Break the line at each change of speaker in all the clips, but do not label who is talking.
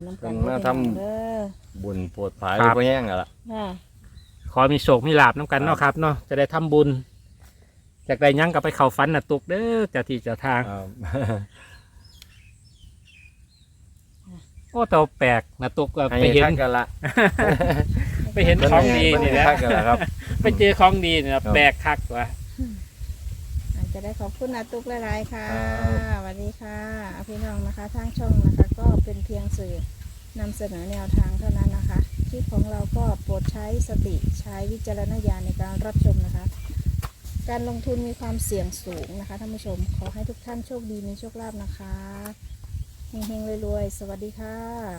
น้ำกั
เพิ่
น
นมาท
เด้อ
ำบุญโปรดภาย
ครับ
บ่แห้งแล้วล่ะ
ค่ะ
ขอมีโชคมีลาบน้ำกันเนาะครับเนาะจะได้ทำบุญจากได้ยั้งกับไปเข้าฝันน่ะตุกเด้อเจะที่เจะทาง
ครับ
โอ้แต่ว่าแปลกนะตุกก็
ให้
ไปเห็น
ทักกันละ
ไปเห็นของดี
เพิ่
นี่แหละ
ทักกันละครับ
ไปเจอของดีเนี่ย
ครับ
แปลกคักว่ะ
อาจจะได้ขอบคุณอาตุกหลายๆค่ะ
ครับ
สวัสดีค่ะพี่น้องนะคะทางช่องนะคะ ก็เป็นเพียงสื่อนำเสนอแนวทางเท่านั้นนะคะคลิปของเราก็โปรดใช้สติใช้วิจารณญาณในการรับชมนะคะ การลงทุนมีความเสี่ยงสูงนะคะท่านผู้ชมขอให้ทุกท่านโชคดีมีโชคลาภนะคะเฮงๆรวยๆสวัสดีค่ะ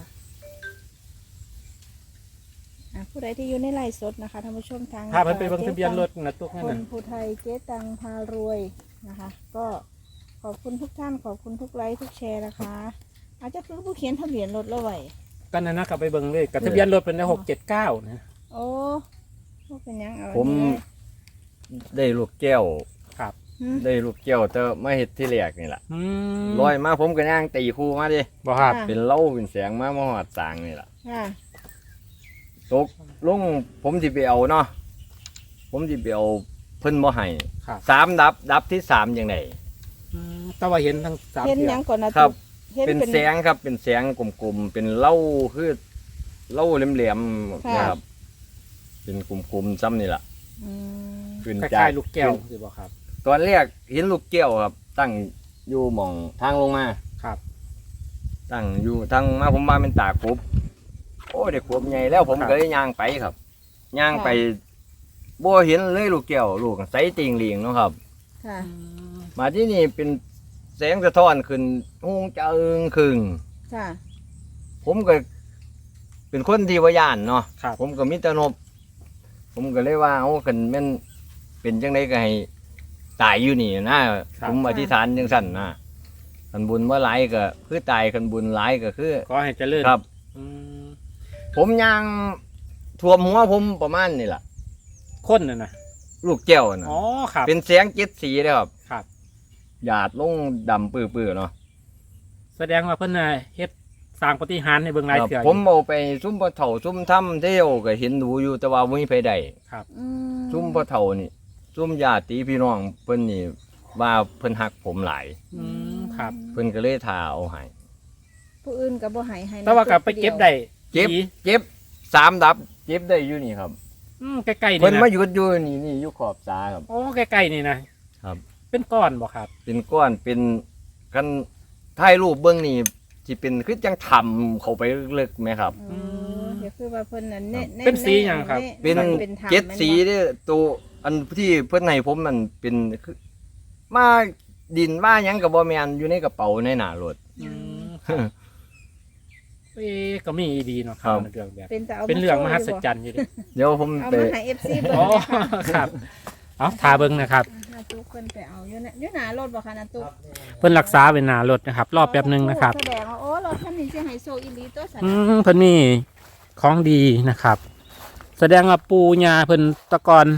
ผู้ใดที่อยู่ในไลฟ์สดนะคะท่านผู้ชมทาง
พาเพิ่นไปเบิ่งทะเบียนรถนะตุกนั่น
คน
น่ะ
ภูไทยเจ๊ตังพารวยนะคะ ก็ขอบคุณทุกท่านขอบคุณทุกไลค์ทุกแชร์นะคะ อาจจะคือผู้เขียนทะเบียนรถแล้วไว้
ก็นั่นนะกลับไปเบิ่งเลยกับทะเบียนรถเป็นได้679นะ
โอ้ว่าเป็นหยังเอา
ผม
อันนี้
ได้ลูกแก้ว
ครับ
หืม
ได้ลูกแก้วแต่มาเฮ็ดที่แรกนี่ล่ะ
อืม
ลอยมาผมก็ย่างตีคู่มาดิ
บ่ครับ
เป็นเหล้าเป็นแสงมาหอดสางนี่ล่ะ
ค่ะ
ตกลงผมสิไปเอาเนาะผมสิไปเอาเพิ่นบ่ให้
ครับ
ดับที่3จังได๋
แต่ว่าเห็นทั้งสาม
เห็น
เที่
ห
ย
ยั
ว
งก่อนนะ
ครับ
ตุ๊กเห็น
เป็นแสงครับเป็นแสงกลมๆเป็นเหล้าคือเหล้าแหลมๆนะครับ เป็นกลมๆซ้ำนี่ล่ะ
อืม
ขึ้น
ค
จา
ล้าก ยๆลูกแก้วสิบ่ครับ
ตอนแรกเห็นลูกแก้วครับ ตั้งอยู่หม่องทางลงมา
ครับ
ตั้งอยู่ทางมาผมมาเป็นตากบโอ้เด็กขวบใหญ่แล้วผมก็เลยย่างไปครับย่างไปบ่เห็นเลยลูกแก้วลูกใสติงหลิงเนาะครับ
ค่ะ
มาที่นี่เป็นแสงสะท้อนขึ้นหงจะอึงครึง
ค่ะ
ผมก็เป็นคนที่ว่าย่านเนาะ
ครับ
ผมก็มีแตนบผมก็เลยว่าเอาคันแม่นเป็นจังไดก็ให้ตายอยู่นี่นะผมอธิษฐานจังสั่นนะคันบุญว่าหลายก็คือตายคันบุญหลายก็คือ
ขอให้เจริญ
ครับ
อืม
ผมย่างท่วมหัวผมประมาณนี่แหละ
คนน่ะนะ
ลูกแก้วนะ
อ๋อครับ
เป็นแสงเจ็ดสีเลยครับ
ครับ
หยาดลงดำปื้อๆเนาะ
แสดงว่าเพิ่นน่ะเฮ็ดสร้างปฏิหารย์ในเบิ่งหลาย
ครับ
เทื่อ
ผมเอาไปซุ่มปลาเถ่าซุ่มถ้ำเที่ยวก็เห็นดูอยู่แต่ว่าไม่มีไผได้
อืม
ซุ่มปลาเถ่านี่ซุ่มญาติพี่น้องเพิ่นนี่ว่าเพิ่นหักผมหลาย
อืมครับ
เพิ่นก็เลยทาเอาให้
ผู้อื่นกับบ่ใหายให้นะ
แต่ว่าก็ไปเก็บได้
เจ็บ
ดี
เจ็บ3 ดับเจ็บได้อยู่นี่ครับ
ใกล้ๆ
เพิ่
นี่
น
นะ
มาหยุดอยู่นี่อยู่ขอบตาครับ
โอ้ใกล้ๆนี่นะครับ เป็นก้อนบ่ครับ
เป็นก้อนเป็นกันถ่ายรูปเบื้องนี่ที่เป็นคือจังทำเข้าไปลึกๆไหมครับ
อ๋อเดี๋ยวคือว่าเพิ่นน่ะเน้น
เป็นสีหยังครับ
เป็น
ธรรม
เจ็ด
แม่นบ่
สีเนี่ยตัวอันที่เพื่อนให้ผมมันเป็นคือมาดินมาหยังกับบอแมนอยู่ในกระเป๋าในหน้ารถ
อืมเอ๊ะก็มีดีเนาะค
ครั
รับบ เรื่องแบบ
เป็นแต่เอา
เป็นเรื่องมหัศจร
รย์
รย์อยู่ดิ
เดี๋ยวผม
เอา
ไป
มาให้ FC เบิ่ง
อ๋อ
นะคะ
ครับเอาทาเบิ่งนะครับ
นาตุ๊กเพิ่นไปเอาอยู่นะอยู่หน้ารถบ่คะนาตุ๊ก
เพิ่นรักษาเป็นหน้ารถนะครับ รอแป๊บหนึงนะครับ
แสดงว่าโอ้รถคันนี้สิให้โซอีหลีตัวสัน
เพิ่นมีของดีนะครับ แสดงว่าปูญาเพิ่นแตะกอน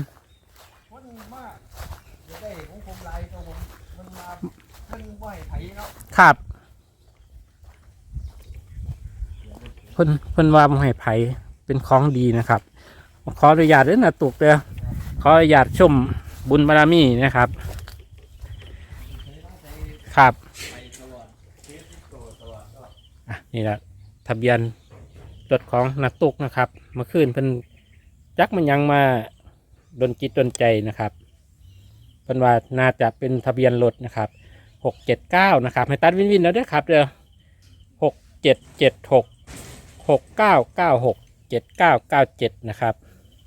ครับเพิ่นว่าบ่ให้ไผเป็นของดีนะครับ ขออนุญาตเด้อนะตุกเด้อขออนุญาตชมบุญบารมีนะครับ ครับอ่ะนี่แหละทะเบียนรถของนักตุกนะครับเมื่อคืนเพิ่นจักมันยังมาดนจิตดนใจนะครับเพิ่นว่าน่าจะเป็นทะเบียนรถนะครับ679นะครับให้ตัดวินวินแล้วเด้อครับเด้อ6776 6996 7997นะครับ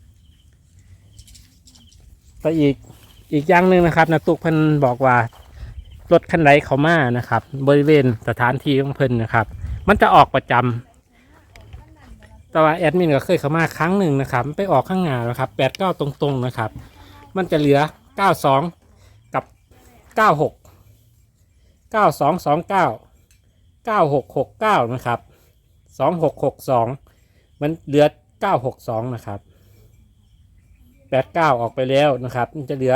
ก็อีกอย่างหนึ่งนะครับนะตุกเพิ่นบอกว่ารถคันใดเขามานะครับ บริเวณสถานที่ของเพิ่นนะครับ มันจะออกประจำแต่ว่าแอดมินก็เคยเข้ามาครั้งหนึ่งนะครับไปออกข้างหน้าแล้วครับ89ตรงๆนะครับ มันจะเหลือ92กับ96 9229 9669นะครับ2662มันเหลือ962นะครับ89ออกไปแล้วนะครับมันจะเหลือ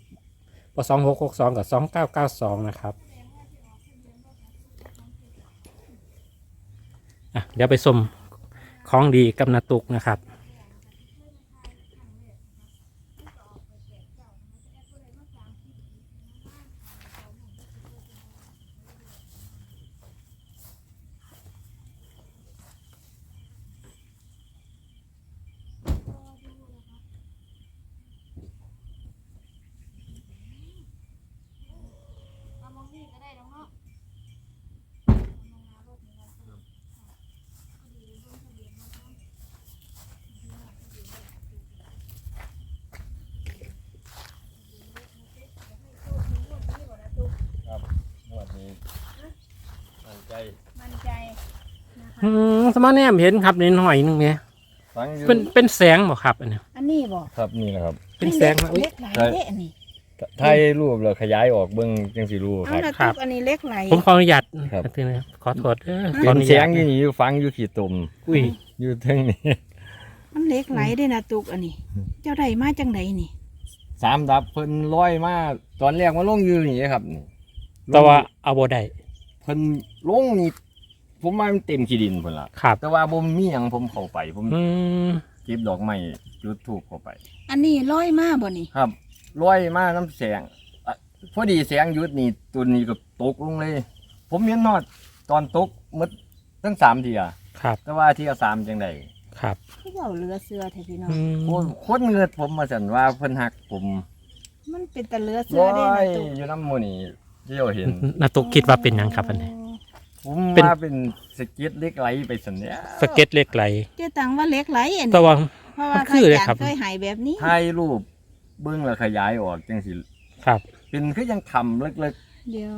2662พอ2662กับ2992นะครับเดี๋ยวไปชมของดีกับนาตุกนะครับ
งวดนี้มั่นใจ
มั่นใจนะคะ
สมาแนมเห็นครับนิดหน่อยนึงเนี่ย
ฟังอยู่
เป็นแสงบ่ครับอันนี้
อันนี้บอก
ครับนี่แหละครับ
เป็นแสงนะอุ๊ย
เล็กไหลเด้อันนี้
ถ่ายรูปแล้วขยายออกเบิ่งจังสิรู้ค
เอา
รับ
ละ
ครั
ตุ
บ
กอันนี้เล็กไหล
ผมขออนุญาต
ครับ
นะครับขอโทษขอ
เป็
อน นุ
เสีย
ญาง ต
อยู่นี่อยู่ฟังอยู่ขี้ตุ่ม
อุ้ย
อยู่เทั้งนี้
มันเล็กไหลได้นะตุกอันนี้ เจ้าใดมาจังไดนี่
สามดับเพิ่นร้อยมาตอนแรกมาลงอยู่นี่ครับนี่
แต่ว่าเอาบ่ได้
เพิ่นลงนี่ผมว่ามันเต็มขี้ดินเพิ่นล่ะ
ครับ
แต่ว่าบ่มีหยังผมเข้าไปผม
อืม
เก็บดอกไม้จุดธูปเข้าไป
อันนี้ร้อยมาบ่นี่
ครับร้อยมาน้ำแสงพอดีแสงหยุดนี่ตัวนี้ก็ตกลงเลย ผมเห็นนอดตอนตกหมดทั้ง3เที่ย
ครับ
แต่ว่าเที่ย3จังได๋
ครับ
เขาเจ้าเรือเสือแท้พี่น้อง
อืม
โอ้คนเงิดผมมาสั่นว่าเพิ่นฮักผม
มันเป็นตะเรือเสือ
ร้อ
ได้
ย
นะตุก
อยู่น้ำหมูนี่เที่ยวเห็น
นาตุกคิดว่าเป็นหยังครับอันนี้
ผม
เป็น
ว่าเป็นสเก็ตเล็กไหลไปสันเนี้ย
สเก็ตเล็กไหล
เจ้าตังว่าเล็กไหลอัน
แต่
นี้
ว่า
เพราะว่า
มันคือเลยครับ
เคยหายแบบนี้
ถ่ายรูปเบิ้งแล้วขยายออกจังสิ
ครับ
เป็นคือยังทำเล็ก
เดี๋ยว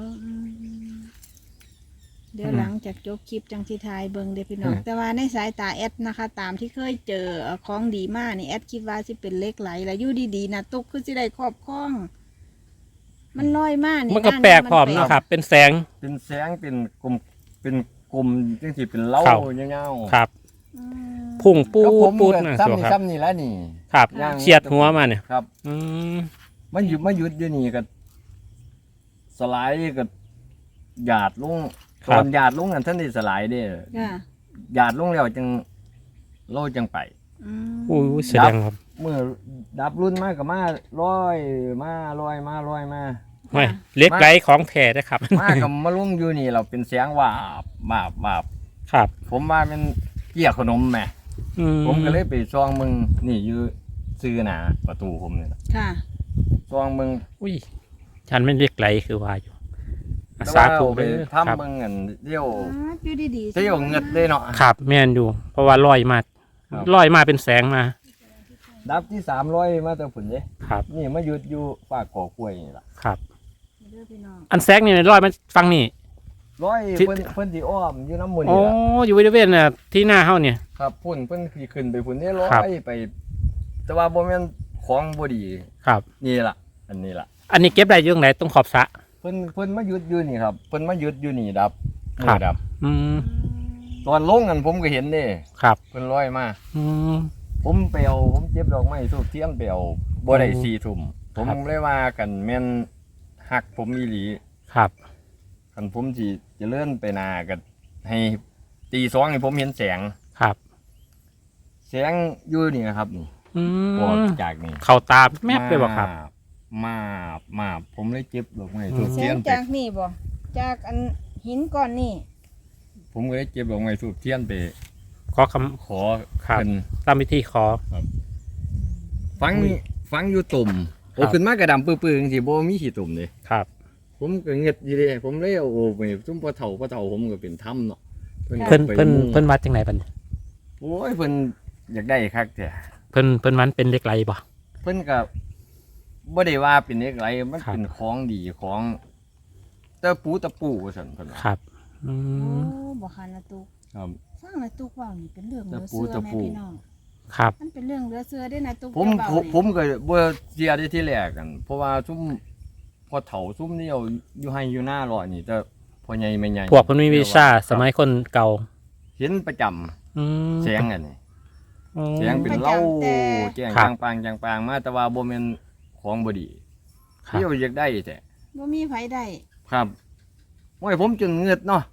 เดี๋ยวหลังจากจบคลิปจังที่ทายเบิงเด้อพี่น้องแต่ว่าในสายตาแอดนะคะ ตามที่เคยเจอของดีมากนี่แอดคิดว่าสิเป็นเล็กไหลแล้วอยู่ดีๆนะตุกคือสิได้ครอบครอง มันลอยมากนี่
มันก็แปลกพร้อม
แปล
เนาะครับ เป็นแสง
ๆเป็นแสงเป็นกลมเป็นกลมจังสิเป็นเล้า
ครับ
เงาๆ
ครับ
อืม
พุ่งปู
ก็ผม
ปูด
ก็
นะ
ซ้ำ
ตัว
นี่
ครับ
ซ้ำนี่แล้วนี่
ครับ
ย่าง
เฉียดหัวมาเนี่ย
ครับ
อืม
มันหยุดอยู่นี่ก็สไลด์ก็หยาดลงตอนหยาดลงนั่นท่านได้สไลด์เด้
ค่ะ
หยาดลงแล้วจังโลจังไป
อืม
อุ้ยแสดงครับ
เมื่อดับรุ่นมากกับมาร้อยมาร้อยมาร้อยมา
ไม่เล็กไหลของแท้นะครับ
มากับมาลุงอยู่นี่เราเป็นเสียงว่าบาบ
ครับ
ผมว่ามันเกี่ยขนมแหม่
อื
ผมก็เลยไปซองมึงนี่อยู่ซื้อหนาประตูผมนี่แหละ
ค่ะ
ซองมึง
อุ้ยฉันไม่เล็กไหลคือว่าอยู่อ่ะ
แต่
สา
ว่า
ธุ
เอาไป
เลยครับ
ทำมึงอันเดี่ยว
อยู่ดีๆ
เดี่ยวเงิดได้เนาะ
ครับแม่นอยู่ เพราะว่าลอยมา
ครับ
ลอยมาเป็นแสงมา
ดับที่300มาแต่ผุนเด้
ครับ
นี่มาหยุดอยู่ปากก่อกล้วยนี่ล่ะ
ครับ
เด้อพี่น้อง
อันแสงนี่ลอยมาฟังนี่
ร้อย
ที่
เพิ่นสิอ้อมอยู่น้ำมูล
โอ้
นี่ล่ะ
อยู่บริเวณน่ะที่หน้าเฮาเนี่ย
ครับพุ่นเพิ่นสิขึ้นไปพุ่นนี่ร้อ
ครับ
ยไป แต่ว่าบ่แม่นของบ่ดี
ครับ
นี่ล่ะ อันนี้ล่ะ
อันนี้เก็บได้อยู่ตรงไหนตรงขอบสระ
เพิ่นมาหยุดอยู่นี่ครับเพิ่นมาหยุดอยู่นี่ดับ
ครับ
มือดับ
อืม
ตอนลงกันผมก็เห็นเด้
ครับ
เพิ่นร้อยมา
อืม
ผมไปเอาผมเจ็บดอกไม้ทูบเทียนไปเอาบ่ได้
อืม
4 ทุ่มผม
ครับ
เลยว่ากันแม่นฮักผมอีหลี
ครับ
คันผมสิเจะเลื่อนไปหนาก็ให้ตี2ให้ผมเห็นแสง
ครับ
แสงอยู่นี่นะครับนี่
อื
ออก
ม
จากนี่
เข้าตาแมบเลยบ่ครับ
มาผมเลยเจ็บดอกไม้
อืม
ทูบ
เสี
เที
ย
ย
ง
นไป
จากนี่บ่จากอันหินก้อนนี่
ผมก็เลยเจ็บดอกไม้ทูบเทียนไป
ขอค
ขอ
ครับ
เพิ่น
ำตามวิธีขอ
ฟัง
อุ้ย
ฟังอยู่ตุ่ม
ค
โอ้
รับ
ขึ้นมากระดำปื้อๆจังซี่บ่มีขี้ตุ่มเลย
ครับ
ผมก็เงียบอยู่เด้ผมเลยเอาโอ้ไปซุ่มพ่อเฒ่าผมก็เป็นถ้ำเนาะ
เพิ่น
อา
เพิ่น
ไป
เพิ่น
มุ่ง
วัดจังไหนบัดนี้
โอ้ยเพิ่นอยากได้คักแท้
เพิ่นมันเป็นเหล็กไหลบ่
เพิ่นก็บ่ได้ว่าเป็นเอกไรมัน
ครับ
เป็นของดีของตะปูว่าซั่นเพิ่นว่า
ครับอื
โอ้
ม
บ่คันละตุก
ครับ
ฟังละตุกเว้านี่เป็นเรื่องเหลือ
ตะปู
เสือแม่
ตะปู
พี่น้อง
ครับ
มันเป็นเรื่องเหลือเสือได้นะตุก
ผม
เจ้าเว้านี่
ผมก็บ่เสียได้ที่แรกกัน เพราะว่าซุ่มพอเฒ่าซุ่มนี่เอาอยู่ให้อยู่หน้ารอนี่แต่พ่อใหญ่แม่ใหญ่
พวกเพิ่นมีวิชาสมัยคนเก่า
เห็นประจำ
อืม
แสงอันนี้
อืม
แสงเป็นเหล้าแจ้ง
ครับ
จางปางมาแต่ว่าบ่แม่นของบ่ดี
ครับ
เที่ยวอยากได้แต่
บ่มีไผได้
ครับโอ้ยผมจนเงือดเนาะ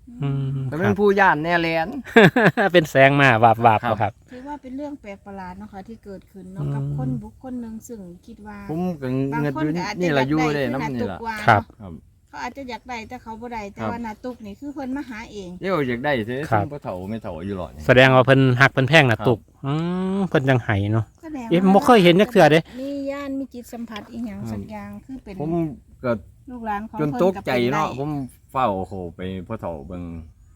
อืม
แต่
ค
เป็
รั
น
บ
ผู้ย่านแน่แลน
เป็นแสงมาบาบ
ครับ
ครับ
ถือว่าเป็นเรื่องแปลกประหลาดเนาะค่ะที่เกิดขึ้นเนาะ
อืม
กับคนบุคคลหนึ่งซึ่งคิดว่า
ผมก็
บาง
เงิน
ค
อน ยู่
ก็อาจจะ
นี่
อ
ละ
ยาก
อยู่
ได้
ได้
คือ
น้ำ
นา
นี่
ตุก
ละ
ว่า
ครับ
เนาะ
ครับ
เขาอาจจะอยากได้แต่เขาบ่ได้แต่
ครับ
ว่านาตุกนี่คือเพิ่นมาหาเอง
เดี๋ยวอยากได้เด้
ครับ
บ่เฒ่าไม่เฒ่าอยู่หรอกนี่
แสดงว่าเพิ่นหักเพิ่นแพงนะ
ครับ
ตุกเพิ่นจังไห้เนาะ
แสดง
เอ๊ะ
ว่า
บ่เคยเห็นจักเทื่อเด้
มีญาณมีจิตสัมผัสอีหยัง
ครับ
สักอย่างคือเป็น
ผมก็
ลูกหลานของ
จน
เพิ่น
ตก
กับ
ใจ
เป็น
เนาะ
ได้
ผมเฝ้าโอ้โหไปพ่อเฒ่าเบิ่ง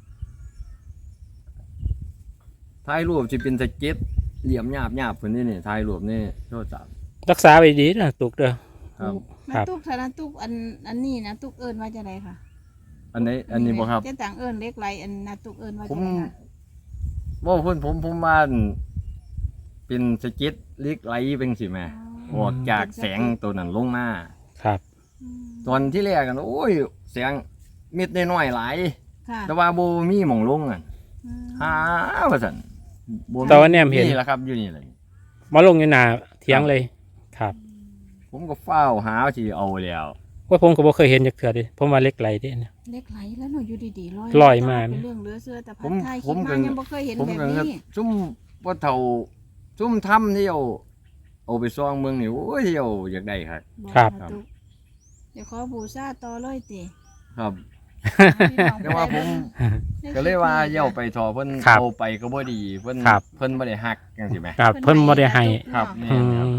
ถ่ายรูปสิเป็นสเก็ตเหลี่ยมหยาบๆเพิ่นนี่ถ่ายรูปนี่โทรศัพท์
รักษาไว้ดีนะตุกเด้อ
ครับ
ครั
นา
บ
ตุกถ้านาตุกอันนี้นะตุกเอิ้นว่าจะไดค่ะ
อันนี้บ่ครับ
เจ้าต่างเอิ้นเล็กไรอันนาตุกเอิ้นว่า
ผ
จะ
ม
ไดค่ะ
บ่เพิ่นผมว่าเป็นสเก็ตเล็กไหลเป็นสิแม่ออกจากแสงตัวนั้นลงมา
ครับ
อืม
ตอนที่แรกกันโอ้ยแสงเม็ดน้อยๆหลาย
ค่ะ
แต่ว่าบ่มีหม่องลงอ่ะ
อืม
หาว่าซั่นบ่มี
แต่ว่าแนมเห็น
นี่แหละครับอยู่นี่เลย
มาลงอยู่หน้าเถียงเลยครับ
ผมก็เฝ้าวหาสิเอาแล้ว
ว่าผมก็บ่เคยเห็นจักเทื่อเดิผมว่าเหล็กไหลเด้เนี่ย
เล็กไหลแล้วหนูอยู่ดีๆลอย
ลอยมา
เป็นเรื่องเหลือเชื่อแต่พั
ผ
ด
ม
ไทย
ผ
คิด
ม
มา
ก็
ยังบ่เคยเห็น
ผม
แบบ
ก็
นี้
ซุ่มบ่เฒ่าซุ่มทำที่เอาไปซ่องเมืองนี่โอ้ยที่เอาอยากได้ครับ
อก
ครับ
นาตุกเดี๋ยวขอบูชาต่อเลยติ
ครับ
พี่น้อง
แต่ว่าผม ก็เลยว่าเย่าไปทอเพิ่น
ครับ
เอาไปก็บ่ดีเพิ่น
ครับ
เพิ่นบ่ได้ฮักจังซี่แหม
ครับเพิ่นบ่ได้ให้
ครับ
อืม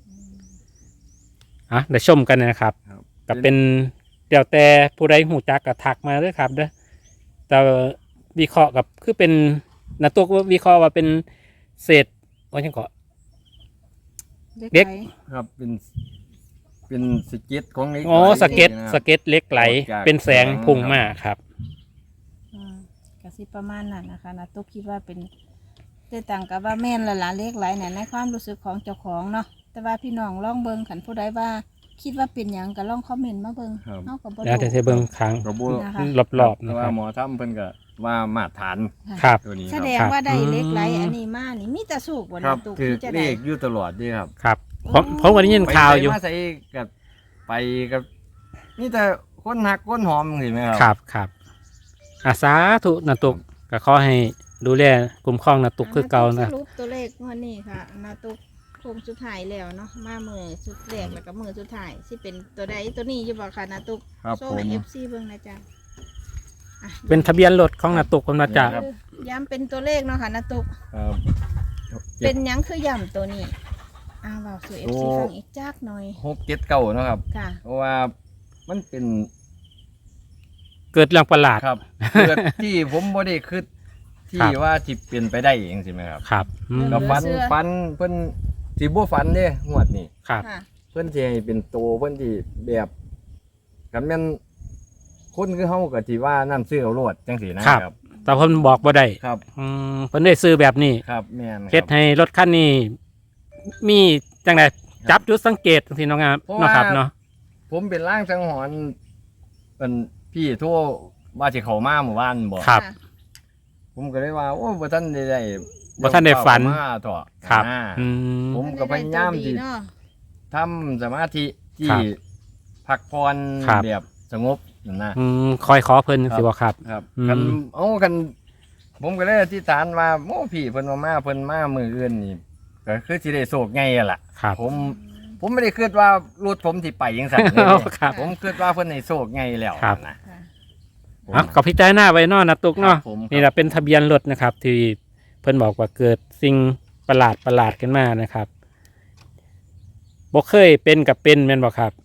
อ่ะเดี๋ยวชมกันนะครับ
ครับ
ก็เป็นเดี๋ยวแต่ผู้ใดหูจักก็ทักมาเด้อครับเด้อแต่วิเคราะห์กับคือเป็นนะตัวก็วิเคราะห์ว่าเป็นเศษว่าจังเกาะ เด็
เด็
ก
ก
ครับเป็นสเก็ตของเล็ก
อ๋อ
ไหล
สเก็ต
นะครับ
สเก็ตเล็กไหล
ออกจาก
เป็นแสง
แสง
พุ่งมาครับ
กสิประมาณนั้นนะคะนาตุกคิดว่าเป็นแต่ต่างกับว่าแม่นละล่ะเล็กไหลเนี่ยในความรู้สึกของเจ้าของเนาะแต่ว่าพี่น้องลองเบิ่งขันผู้ใดว่า คิดว่าเป็นหยังก็ลองคอมเมนต์มาเบิ่ง
ครับ
เฮาก็บ่
แล้วแต่เบิ่งค้าง
ก็บ่
นะคะ
รอบๆ
แต่
นะค
ว่า
รับ
หมอทำเพิ่นก็ว่ามาตรฐาน
ครับ
ตัวนี้
แส
ครับ
ดง
ครับ
ว่าได้เล็กไหล
อืม
อันนี้มานี่มีแต่สูกบ่
ครั
นา
บ
ตุก
ถือ
ที่จะ
เล
ได้
ขอยู่ตลอดเด้ครับ
ครับผมก็ได้ยินข่าวอยู่
ไปมาใส่กับไปกับนี่แต่คนหักคนหอมเห็นไหมครับ
ครับครับอาสาธุนะตุกก็ขอให้ดูแลกลุ่มครองนะตุกคือเก่านะ
สรุปตัวเลขงวันนี้ค่ะนาตุกโคงสุดท้ายแล้วเนาะมามือสุดแรกแล้วก็มือสุดท้ายสิเป็นตัวใดตัวนี้อยู่บ่ค่ะนาตุก
ครับ
โซ่
ผม
ให้ FC เบิ่งนะจ๊ะอ่ะ
เป็นทะเบียนรถของนะตุกคนมาจาก
ครับ
ย้ำเป็นตัวเลขเนาะค่ะนาตุก
ครับ
เป็นหยังคือย่ำตัวนี้เว้าสู่ FC ฟังอีกจักหน่อย
679เนาะครับ
ค่ะ
เพราะว่ามันเป็น
เกิดเรื่องประหลาด
ครับ เกิดที่ผมบ่ได้คิดที่
ครับ
ว่าสิเป็นไปได้เองใช่ไหมครับ
ครับอืม
ก็ฟันเพิ่นสิบ่ฟันเด้งวดนี้
ครับ
ค่ะ
เพิ่นสิให้เป็นโตเพิ่นสิแบบกันแม่นคนคือเฮาก็สิว่านั่นซื้อเอาโลดจังซี่นะครับ
แต่เพิ่นบอกบ่ได้
ครับ
เพิ่นได้ซื้อแบบนี้
ครับแม่น
เฮ็ดให้รถคันนี้มีจังไดจับจุดสังเกตจังซี่เนาะครับ
เพราะ
เนาะ
ว่า
ครับเนาะ
ผมเป็นร่างสังหรณ์เป็นพี่โทั่วว่าสิเข้ามาหมู่บ้านบ่
ครับ
ค่ะ
ผมก็เลยว่าโอ้บ่ทันได้
บ่ทันได้ฝัน
เข้ามาต่อ
ครับ
อ่า
อืม
ผมก็พยายามที่
เนาะ
ทำสมาธิที่
ครับ
พักผ่อน
ครับ
แบบสงบนั่นนะ
คอยขอเพิ่นสิบ่ครับ
ครับ
อืม
กันกันผมก็เลยอธิษฐานว่าโอ้พี่เพิ่นมาเพิ่นมามื้ออื่นนี่ก็คือสิได้โชคใหญ่อะล่ะ
ครับ
ผมไม่ได้คิดว่ารถผมสิไปจังซั่นเลย
ครับ
ผมคิดว่าเพิ่นให้โชคใหญ่แล้ว
ครับ
นะ
ค่ะ
ผม
อ่ะก็พิจารณาไว้เนาะนะตุกเนาะ
ครับผมครับ
นี่แหละเป็นทะเบียนรถนะครับ ที่เพิ่นบอกว่าเกิดสิ่งประหลาดขึ้นมานะครับบ่เคยเป็นกับเป็นแม่นบ่ครับ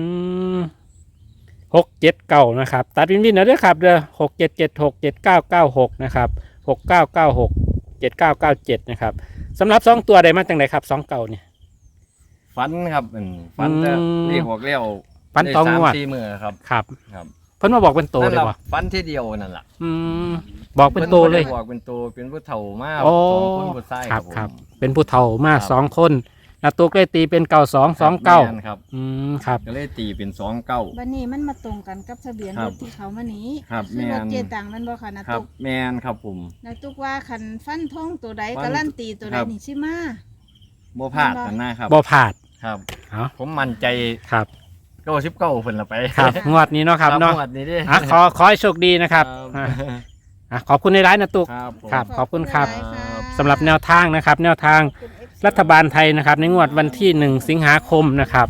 679นะครับตัดวินวินเอาเด้อครับเด้อ67767996นะครับ69967997นะครับสำหรับ2ตัวได้มาจังไดครับ2เก่าเนี่ย
ฟันครับฟันแต่
อืม
เรียกบอกเลี้ยว
ฟันตองงวด
ได้3-4มื้อครับ
ครับ
ครับ
เพิ่นมาบอกเป็นโต
นั่น
เลย
ล่ะ
บ่
ฟันที่เดียวนั่นล่ะ
อืมบอกเป็นโตเลย
พิ่นบ่ได้บอกเป็นโตเป็นผู้เฒ่ามา
โอ้
สองคนผู้ชาย
ครับ
ผม
ครับ เป็นผู้เฒ่ามา
ครับ
2คนนาตุกเลยตีเป็น9229
แม่นครับ
ครับ
ก็เลยตีเป็น29
บัดนี้มันมาตรงกันกับทะเบียน
ครั
ร
บ
ถที่เขามานี้
ครับ
คือรถ
แม่น
เจตังมันบ่ค่ะนา
ครับ
ตุก
แม่นครับผม
นาตุกว่าคันฟันทงตัวใด
ฟัน
การันตีตัวใด
ครับ
นี่สิมา
บ่พลาดกันนะครับ
บ่ผาด
ครับ
เอา
ผมมั่นใจ
ครับ
99เพิ่นละไป
ครับงวดนี้เนาะครับเนาะ
งวดนี้ดิ
ขอให้โชคดีนะครับขอบคุณในร้านนะตุก
ครับผม
ครับขอบคุณครับ
หลายๆค่ะ
สำหรับแนวทางนะครับ แนวทาง
ขอบคุณ FC
รัฐบาลไทยนะครับ ในงวดวันที่ 1 สิงหาคมนะครับ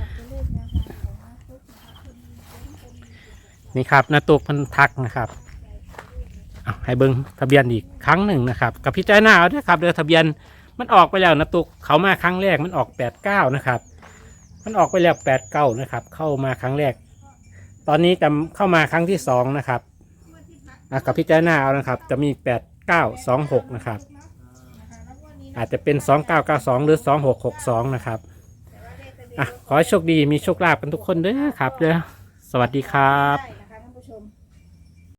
นี่ครับนาตุกพันทักนะครับเอาให้เบิ้งทะเบียนอีกครั้งหนึ่งนะครับกับพี่ใจหน้าเอาด้วยครับเดือทะเบียนมันออกไปแล้วนาตุกเขามาครั้งแรกมันออก89นะครับมันออกไปแล้ว89นะครับเข้ามาครั้งแรก ตอนนี้จะเข้ามาครั้งที่2นะครับกับพี่ใจหน้าเอานะครับจะมี8926นะครับอาจจะเป็น2992หรือ2662นะครับขอให้โชคดีมีโชคลาภกันทุกคนเด้อครับเด้อสวัสดีครับ